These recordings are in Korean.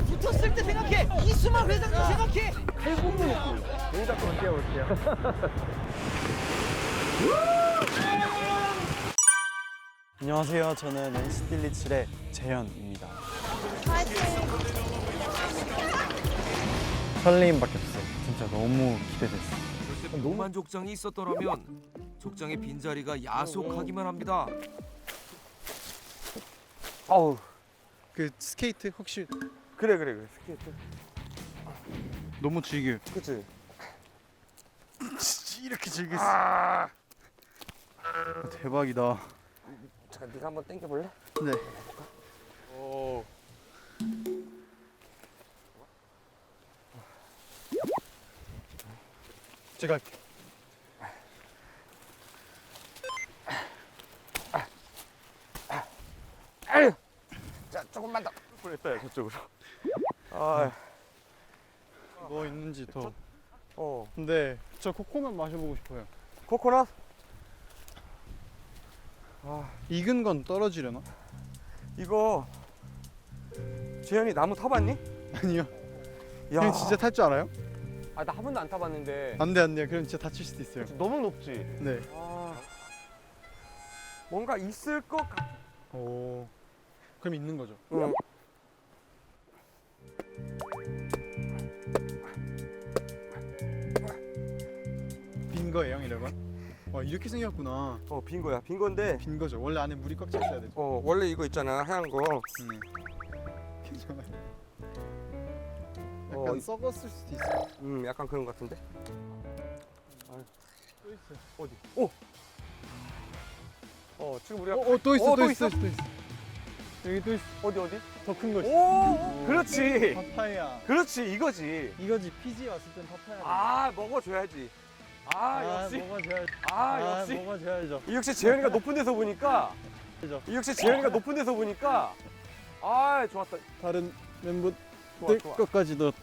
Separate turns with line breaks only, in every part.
붙었을 때 생각해. 이수만 회장도 생각해.
칼군무 놓고 동작으로 뛰어볼게요.
안녕하세요. 저는 NCT 127의 재현입니다. 설레임밖에 없어. 진짜 너무 기대됐어.
노만 족장이 있었더라면 족장의 빈자리가 야속하기만 합니다.
아우
그 스케이트 혹시
그래 스케이트.
너무 즐겨.
그치?
이렇게 즐겼어. 대박이다.
잠깐 네가 한번 당겨볼래?
네.
오.
제가 할게요.
자 조금만 더. 뻔했어요 저쪽으로. 아.
뭐 있는지 더.
어.
근데 저 코코넛 마셔보고 싶어요.
코코넛?
익은 건 떨어지려나?
이거 재현이 나무 타봤니?
아니요.
야.
형 진짜 탈 줄 알아요?
아 나 한 번도 안 타봤는데.
안 돼. 그럼 진짜 다칠 수도 있어요.
너무 높지?
네.
아. 뭔가 있을 것 같.
오. 그럼 있는 거죠?
응.
빈 거예요, 이러면? 와, 이렇게 생겼구나.
빈 거야. 빈 건데.
빈 거죠. 원래 안에 물이 꽉 차 있어야 되죠.
원래 이거 있잖아 하얀 거.
괜찮아요. 약간 썩었을 수도 있어요.
약간 그런 것 같은데.
또 있어요.
어디? 오. 지금 우리가
또 있어.
또 있어?
여기 또 있어.
어디?
더 큰 거 있어.
오, 그렇지.
파파야.
그렇지, 이거지.
이거지. 피지 왔을 땐 파파야.
아, 먹어줘야지. 역시.
먹어줘야죠.
역시.
먹어줘야죠.
이 역시 재현이가 높은 데서 보니까. 좋았다.
다른 멤버들
좋아.
것까지도.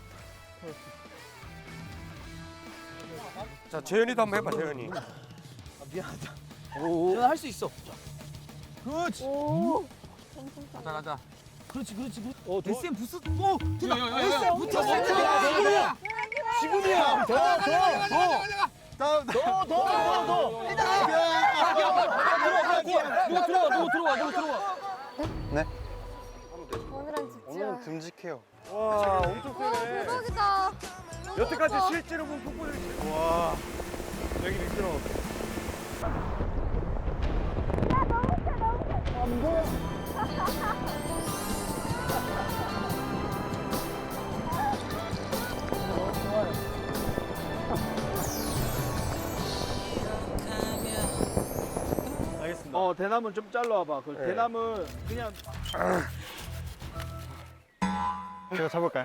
자, 재현이도 한번 해봐, 재현이.
미안하다.
오.
재현아 할 수 있어. 그렇지.
가자.
그렇지.
더?
SM 부스. 오, 됐다. SM 붙었을 때 지금이야.
더.
더. 누가 들어와.
네.
오늘은 집중.
오늘은 듬직해요.
와, 엄청
와
세네.
대박이다.
여태까지
너무
실제로 본 폭포를.
와. 여기 미끄러워. 알겠습니다.
대나무 좀 잘라와봐.
네.
대나무 그냥
제가 잡을까요?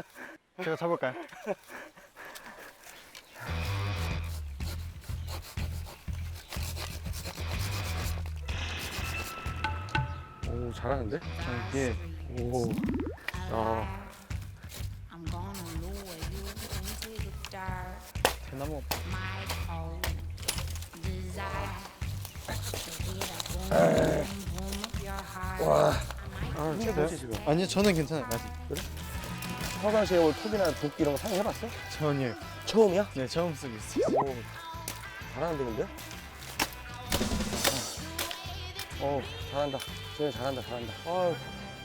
오, 잘하는데?
이게
오. 야.
I'm gonna lure you into the dark.
대나무
My cold desire to get a boom, boom of your heart.
힘들지 지금.
아니요, 저는 괜찮아요. 아직.
평상시에 올 톱이나 도끼 이런 거 사용해봤어?
전이에요.
처음이야?
네, 처음 쓰고 있어요.
오. 잘하는데 근데? 잘한다. 재현이 잘한다. 아유.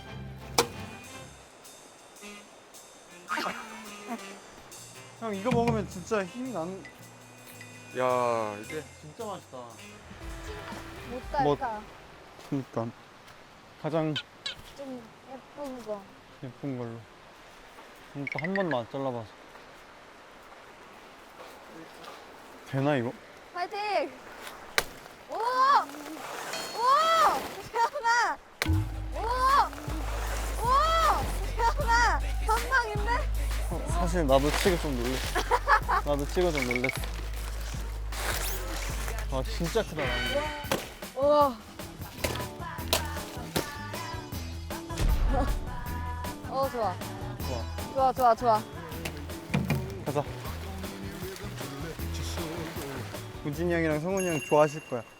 형, 이거 먹으면 진짜 힘이 나는.
야, 이제
진짜 맛있다.
못 달까.
그러니까 가장
좀 예쁜 거.
예쁜 걸로. 또 한 번만 잘라봐서. 되나 이거?
파이팅! 오! 재현아! 재현아! 한방인데?
사실 나도 치고 좀 놀랬어. 아, 진짜 크다.
우와. 좋아.
가자. 우진이 형이랑 성훈이 형 좋아하실 거야.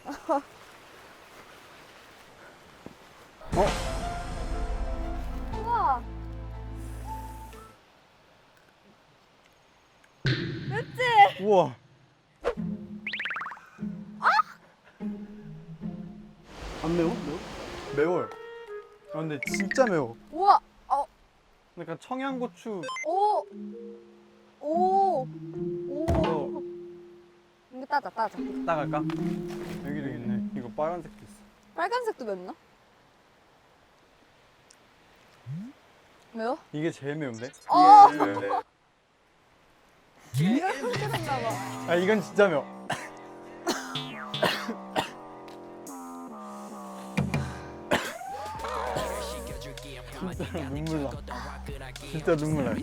우와.
우와.
안 매워?
매워요. 아 근데 진짜 매워.
우와.
약간 청양고추.
오. 오.
어.
오. 이거 따자.
따갈까? 여기도 있네. 이거 빨간색도 있어.
빨간색도 맵나? 매워?
이게 제일 매운데?
어.
아 이건 진짜 매워. 진짜 눈물 나. 진짜 눈물 나.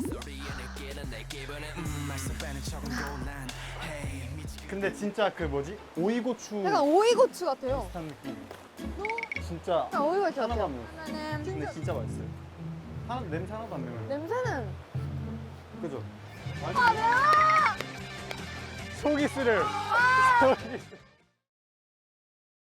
근데 진짜 그 뭐지? 오이고추
약간 오이고추 같아요.
비슷한 느낌. 진짜
약간 오이고추
하나도
같아요.
안 매워.
그러면은
근데 진짜 맛있어요. 냄새 하나도 안 매워요.
냄새는
그죠?
아 매워!
속이 쓰려요. 속이 쓰려.